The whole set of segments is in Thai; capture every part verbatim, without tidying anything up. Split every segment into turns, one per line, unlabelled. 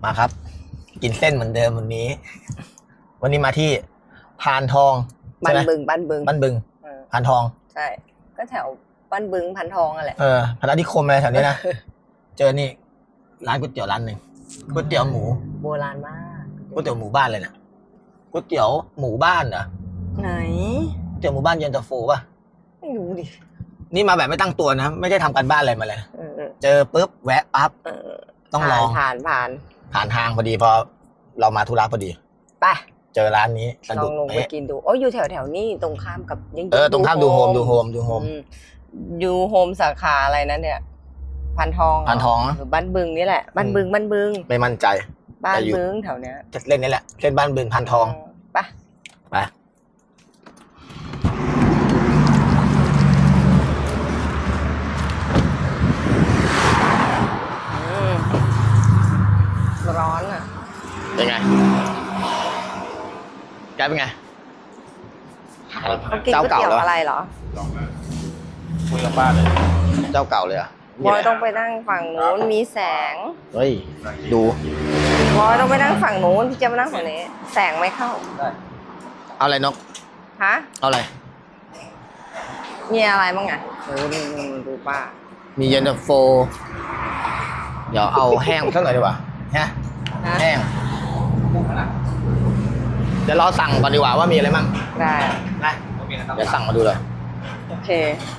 มาครับ กินเส้นเหมือนเดิมวันนี้ วันนี้มาที่พานทอง
บ้านบึงบ้านบึง
บ้านบึงพานทอง
ใช่ก็แถวบ้านบึงพันทองอะไร
เออพนัสนิคมอะไรแถวนี้นะ เจอนี่ร้านก๋วยเตี๋ยวร้านหนึ่งก๋วยเตี๋ยวหมู
โบราณมาก
ก๋วยเตี๋ยวหมูบ้านเลยนะก๋วยเตี๋ยวหมูบ้านเหรอ
ไหน
ก๋วยเตี๋ยวหมู่บ้านเย็นตาโฟป่ะ
ไม่รู้ดิ
นี่มาแบบไม่ตั้งตัวนะไม่ได้ทำการบ้านอะไรมาเลยเจอปุ๊บแวะปั๊บต้องลอง
ผ่านผ่าน
ผ่านทางพอดีพอเรามาธุระพอดี
ไป
เจอร้านนี้
ลองลงไปกินดูโอ้อยู่แถวแถวนี้ตรงข้ามกับ
ยังเออตรงข้ามดูโฮมดูโฮมดูโฮม
ดูโฮมสาขาอะไรนะเนี่ยพันทอง
พันทอง
หรือบ้านบึงนี่แหละบ้านบึงบ้านบึง
ไม่มั่นใจ
บ้านบึงแถวเนี้ย
จะเล่นนี่แหละเล่นบ้านบึงพันทอง
ไป
ไป
ร้อนอ่ะ
เป็นไงแกเป็นไง
เขากินก๋วยเตี๋ยวอะไรเหรอ
คุยกับป้าเลยเจ้าเก่าเลยอ่ะ
บอยต้องไปนั่งฝั่งนู้นมีแสง
เฮ้ยดู
บอยต้องไปนั่งฝั่งนู้นพี่จะมานั่งฝั่งนี้แสงไม่เข้า
เอาอะไรนก
ฮะ
เอาอะไร
มีอะไรบ้างอ่ะโอ้ดูดูป้า
มีเย็นตาโฟเดี๋ยวเอาแห้งสักหน่อยดีกว่าฮะแห้งเดี๋ยวเราสั่งก่อนดีกว่าว่ามีอะไรมั่ง
ได้
นะเดี๋ยวสั่งมาดูเลย
โอเค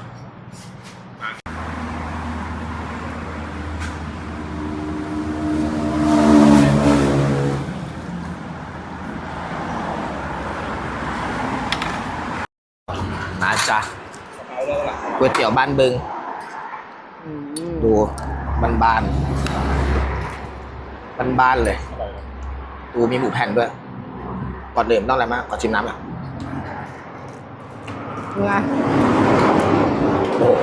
มาจ้ะก๋วยเตี๋ยวบ้านบึงดูบ้านบ้านบ้านบ้านเลยดูมีหมูแผ่นด้วยก่อนเดิมต้องอะไรมากก่อนชิมน้ำอ่ะ
ไง
โอ้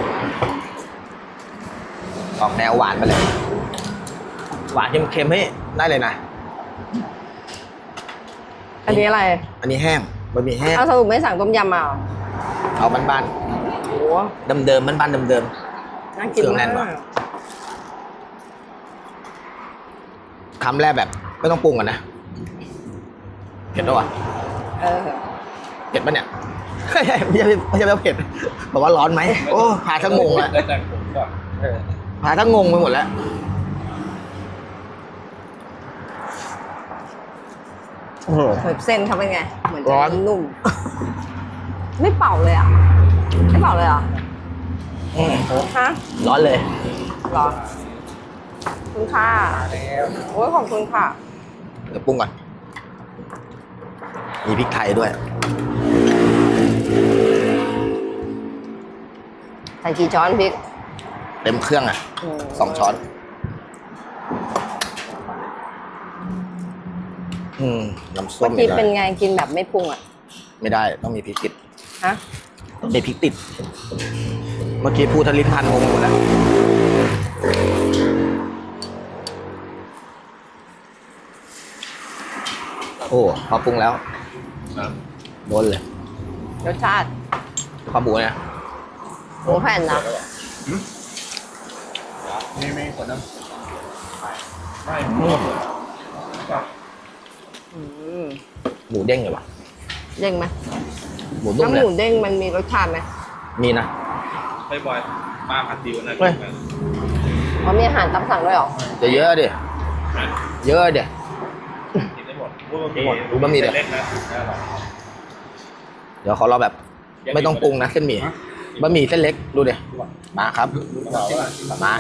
ออกแนวหวานไปเลยหวานเค็มๆให้ได้เลยนะ
อันนี้อะไร
อันนี้แห้งบะหมี่แห้ง
เอาสรุปไม่สั่งต้มยำมา
เอาบ้านๆโอ้เดิมๆบ้านๆเดิม
ๆน่ากินมาก
คำแรกแบบไม่ต้องปรุงกันนะเผ็ดด้วยวะ
เออ
เผ็ดปะเนี่ยไม่ใช่ไม่ใช่ไม่ใช่เผ็ดบอกว่าร้อนไหมโอ้พาทั้งงงแล้วพาทั้งงงไปหมดแล้ว
เส้นเขาเป็นไงเหมือนร้อนนุ่มไม่เป่าเลยอ่ะไม่เป่าเลยอ่ะฮะ
ร้อนเลย
ร้อนคุณค่ะโอ้ยขอบคุณค่ะ
เดี๋ยวปรุงก่อนมีพริกไทยด้วย
ใส่กี่ช้อนพริก
เต็มเครื่องอ่ะสองช้อนอืมน้ำส้ม
เมื่อกี้เป็นไงกินแบบไม่ปรุงอ่ะ
ไม่ได้ต้องมีพริกติด
ฮะ
ต้องมีพริกติดเมื่อกี้พูดทะลิ้นพันงงหมดแล้วโอ้พอปรุงแล้วโดนเลย
รสชาติ
ข้าวหมูเนี่ย
หมูแผ่นนะ
นี่ไม่ขวดน้ำไม่
หมูเด้งเลยวะ
เด้งไหม
หมูนุ่มเลย
น้ำหมูเด้งมันมีรสชาติไหม
มีนะ
ไม่บ่อยมาผัดดิวนะ
เขามีอาหารตามสั่งด้วยหรอ
จะเยอะดิเยอะดิ
กินได้หมด
ดูบะหมี่เดี๋ยวเดี๋ยวขอเราแบบไม่ต้องปรุงนะเส้นหมี่บะหมี่เส้นเล็กดูดิมาครับมา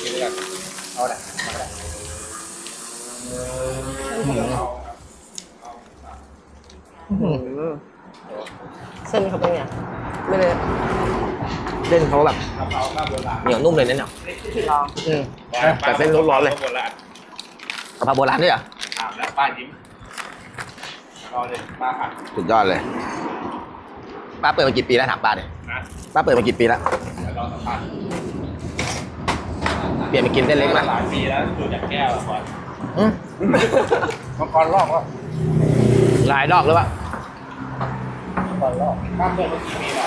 เส้นเขาเป็นไงไม่เลย
เส้นเขาแบบเหนียวนุ่มเลยเนี่ย
ลอง
แต่เส้นร้อนๆเลยกะเพราโบราณด้วยอ่ะ
ป้ายิ้มรอเลยป้าผัด
สุดยอดเลยป้าเปิดมากี่ปีแล้วถามป้าเลยป้าเปิดมากี่ปีแล้วเปลี่ยนมากินเส้นเล็กไหม
หลายปีแล้วดูจากแก้วก่อนมังกรลอกแล้ว
หลายดอกหรือเปล่า
มังกรลอกป้าเปิดมากี่ปีแล้ว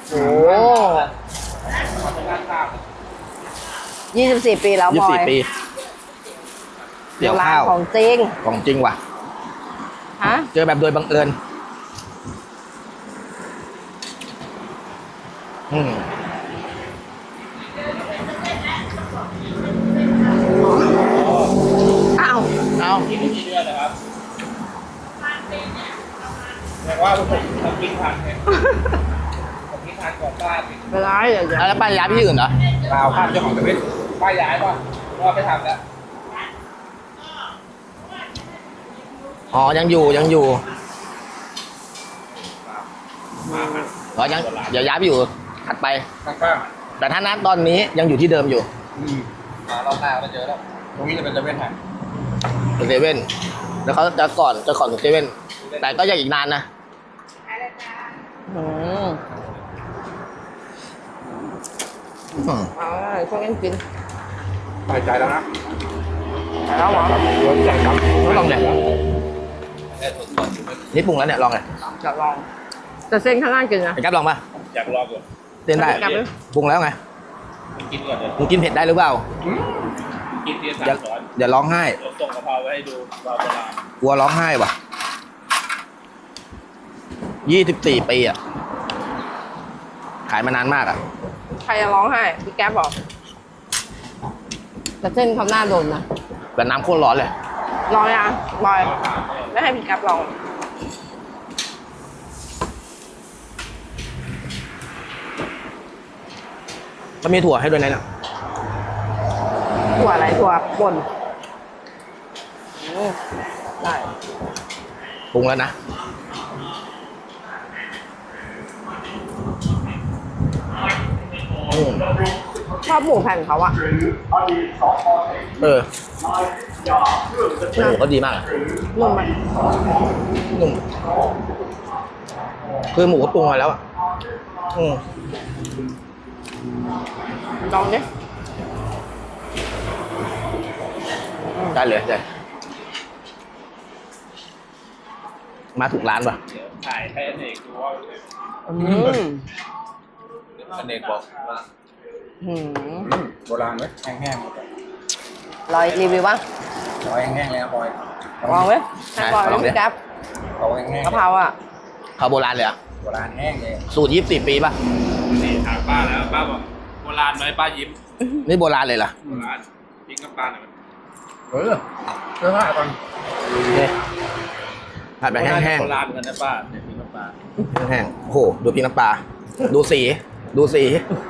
โอ้ยี่สิบสี่ปีแล้วบอย
ยี่สิบสี่ปีตี๋ยวข้าว
โบรณของจริง
ของจริงว่ะ
ฮะ
เจอแบบโดยบังเอิญอืม
อ้าว
เอา
กินไม่กี่เดือนนะครับแต่ว่าผมทำกินทันไงผมกินทันก่อนป้าติด
เวลาเดี๋ยว
แล้วไปย้ายไปที่อื่นเหรอ
เปล่าข้ามเจ้าของตะเวนป้าย้ายป่ะเพราะว่าไม่ทำแล้ว
อ๋อ ยังอยู่ยังอยู่
มามา
อ๋อยังเดี๋ยวย้ายไปอยู่ถัดไป
ข้าง
แต่ถ้านัดตอนนี้ยังอยู่ที่เดิมอยู่
ๆอืมมารอบหน้าก็เจอแล้วตรงนี้จะเป็นตะเวนไทย
เซเว่นแล้วเขาจะก่อนจะก่อนถึงเซเว่นแต่ก็ยังอีกนานนะ
อืม
อืม
เอาละช่วยกันกิน
ใส่ใจแล้วนะ
แล้วเหรอ
รวมใจครับ
ลองเลย
ได้สดๆอยู่ไม่
นี่ปรุงแล้วเนี่ยลองเลย
จะลองแต่เส้นข้างล่างกินนะ
ไอ้แก๊ปลองป่ะ
อยากลองก่อน
เต้นได้
กลับเลย
ปรุงแล้วไง
กินก่อนเลย
มึงกินเผ็ดได้หรือเปล่า
กินทีละสา
อย่าม
ช้อน
อย่าร้องไห้
เดี๋ยวส่งกะเพราไว้ให้ดูรอเวลาก
ลัวร้องไห้ว่ะยี่สิบสี่ปีอ่ะขายมานานมากอ่ะ
ใครจะร้องไห้พี่แก๊ปบอกแต่เส้นเขาหน้าโดนนะ
แต่น้ำโคตรร้อนเลย
ลองยังบอยไม่ให้พี่แก๊ปลอง
มันมีถั่วให้ด้วยนะเนี่ย
ถั่วอะไรถั่วป่นอืมได้
ปรุงแล้วนะอืม
ชอบหมูแผ่นเขาอะ
เออโอ้โหเขาดีมากอะ
นุ่มไหม
นุ่มคือหมูก็ปรุงมาแล้วอ่ะอืม
ลองดิ
ได้เลยได้มาถูกร้านป่ะ
เดี๋ยวถ่ายให้อเนกดูว่า
อืม
อเนกบอกว่า
หืม
โบราณไหมแห้งๆหมด
ลอยรีวิวบ้าง
บอยแห้งๆเลยนะบอย
ลองไหมให้บอยเลยพี่แก๊ป
เขาแห้งๆ
กะเพราอะ
เขาโบราณเลยอ่ะ
โบราณแห้งเลย
สูตรยี่สิบสี่ปีป่ะ
นี่ถามป้าแล้วป้าบอกโบราณไหมป้ายิ้ม
นี่โบราณเลยเหรอ
โบราณพิงกับป้าหน่อยเออเสื้อผ้าก่อน
นี่ผัดแบบแห้ง
โบราณเหมือนกันนะป้าเนี่ยพิงกับป้า
ๆแห้งๆโอ้โหดูพริกน้ำปลาดูสี ดูสี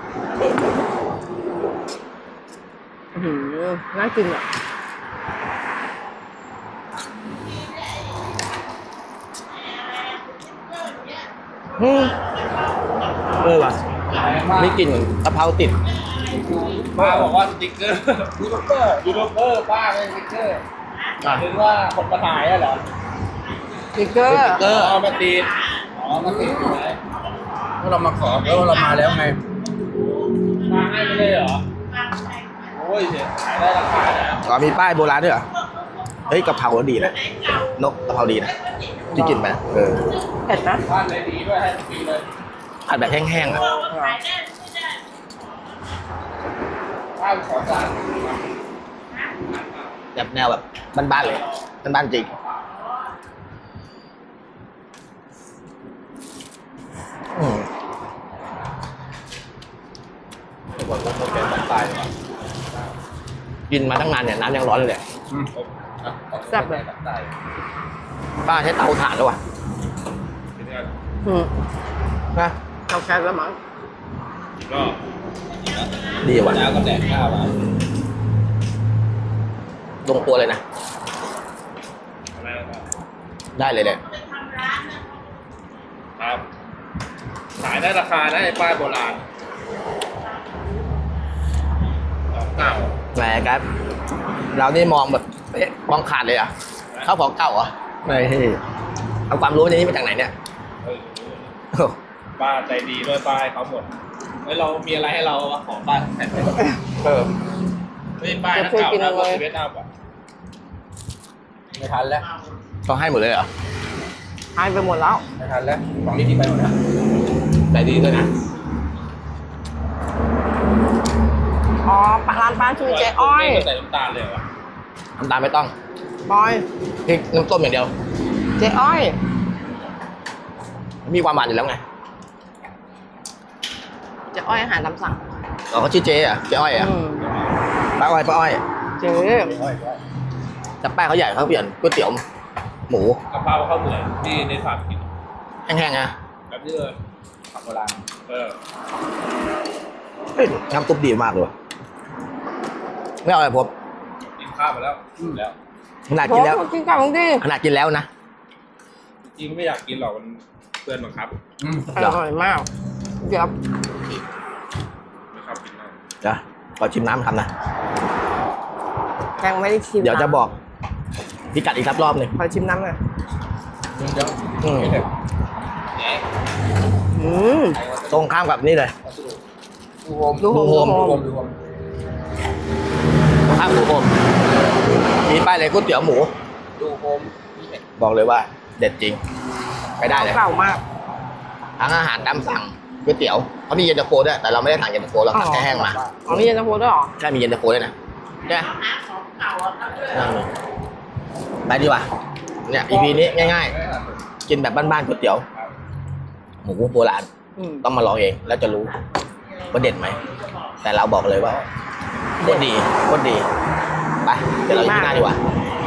หืมน่ากินอะ
อืมเออว่ะไม่กลิ่นเหมือนกะเพราติด
ป้าบอกว่าสติ๊กเกอร์ยูทูบเบอร์ยูทูบเบอร์ป้าเป็นสติ๊กเกอร์
อ่ะ
ถึงว่าคนมาถ่ายอะเหรอ
สติ๊กเกอร์
สติ๊กเกอร์
เอามาติดอ๋อมาติดอยู่ไหนเมื่อเรามาขอแล้วเรามาแล้วไงมาให้ไม่ได้เหรอโอ้ยเสียขายได้ราคาแล้ว
อ๋อมีป้ายโบราณด้วยเหรอ เฮ้ยกะเพราดีนะนกกะเพราดีนะที่กินไปเออ
เผ็ดนะ
บ้านเลยดีด้วยให้ฟรีเลย
ผัดแบบแห้งๆอ่ะ
ข้าวขอสั่ง
แบบแนวแบบบ้านๆเลยบ้านๆจริงอืม
บอกว่าเขาเป็นตายเลย
กินมาตั้งนานเนี่ยน้ำยังร้อนเลย
แซ่บเลย
ตาย
ป้าใช้เตาถ่านแล้ววะ
อืม
นะ
เอาแก๊สแล้วมั้ง
ก็
ดีว่ะ
แล้วก็แดกข้าวมา
ลงตัวเลยนะ
อะไรนะครับ
ได้เลยเนี่ย
ครับขายได้ราคาได้ป้ายโบราณของเก่า
แหมครับเรานี่มองแบบเอ๊ะมองขาดเลยอ่ะข้าวของเก่าเหรอไม่เอาความรู้ในนี้มาจากไหนเนี่ย
เออ
โอ้
ป้าใจดีด้วยป้าให้เขาหมดเฮ้ยเรามีอะไรให้เราวะของป้าแผ่นไหน
เออ
เฮ้ยป้ายนักเก่านะว่าชีวิตอัพอ่ะไม่ทันแล้ว
ต้องให้หมดเลยเหรอ
หายไปหมดแล้ว
ไม่ทันแล้วของนี้ที่ไปหมดแล้ว
ใจดีด้วยนะ
อ๋อร้านป้าชื่อเจ๊อ้อย
ไม่ใส่น้ำตาลเลยว่ะ
น้ำตาลไม่ต้อง
บอย
พริกน้ำต้มอย่างเดียว
เจ๊อ้อย
มีความหวานอยู่แล้วไง
เจ๊อ้อยอาหารตามสั่ง
เราก็ชื่อเจ๊อะเจ๊อ้อยอะ
อืม
ป้าอ้อยป้าอ้อย
เจ๊
แต่แป้งเขาใหญ่เขาเปลี่ยนก๋วยเตี๋ยวหมู
กะเพราข้าวเหนียวที่ในฝากิน
แห้งๆนะ
แบบนี้เลยผักโบราณเออ
เฮ้ยน้ำซุปดีมากเลยว่ะไม่เอาอะไรพบ
กินข้าวมาแล้วแล้ว
ขนาดกินแล้ว
โอ้กินกับมึงดิ
ขนาดกินแล้วนะ
จริงไม่อยากกินหรอกมันเพื่อนบังคับอืม
อร่อยมากเดี๋ยว
ไม่ชอบกินมาก
เดี๋ยวขอชิมน้ำทำนะ
ยังไม่ได้ชิม
เดี๋ยวจะบอกพิกัดอีกสักรอบหนึ่ง
ขอชิมน้ำหน่อย
เดี๋ยว
อืม
ไม่เผ็ดแหน
อืม
ตรงข้ามกับนี่เลย
ดูโฮม
ดูโฮม
ดูโฮม
ดูโฮมดูโฮม
ตรงข้ามหมูผมมีป้ายเลยก๋วยเตี๋ยวหมู
ดูโฮมนี่เผ็ด
บอกเลยว่า เด็ดจริง ไปได้เลย
เก่ามาก
ทั้งอาหารตามสั่งก๋วยเตี๋ยวเขามีเย็นตาโฟด้วยแต่เราไม่ได้สั่งเย็นตาโฟเราสั่งแค่แห้งมา
อ๋อมีเย็นตาโฟด้วยเหรอ
ใช่มีเย็นตาโฟด้วยนะใช่ไหมนั่งเลยไปดีกว่าเนี่ย อี พี นี้ง่ายๆ กินแบบบ้านๆก๋วยเตี๋ยว หมูโบราณ
อืม
ต้องมาลองเองแล้วจะรู้ว่าเด็ดไหม แต่เราบอกเลยว่าโคตรดีโคตรดี ไปเดี๋ยวเราอยู่ที่หน้าดีกว่า
ไ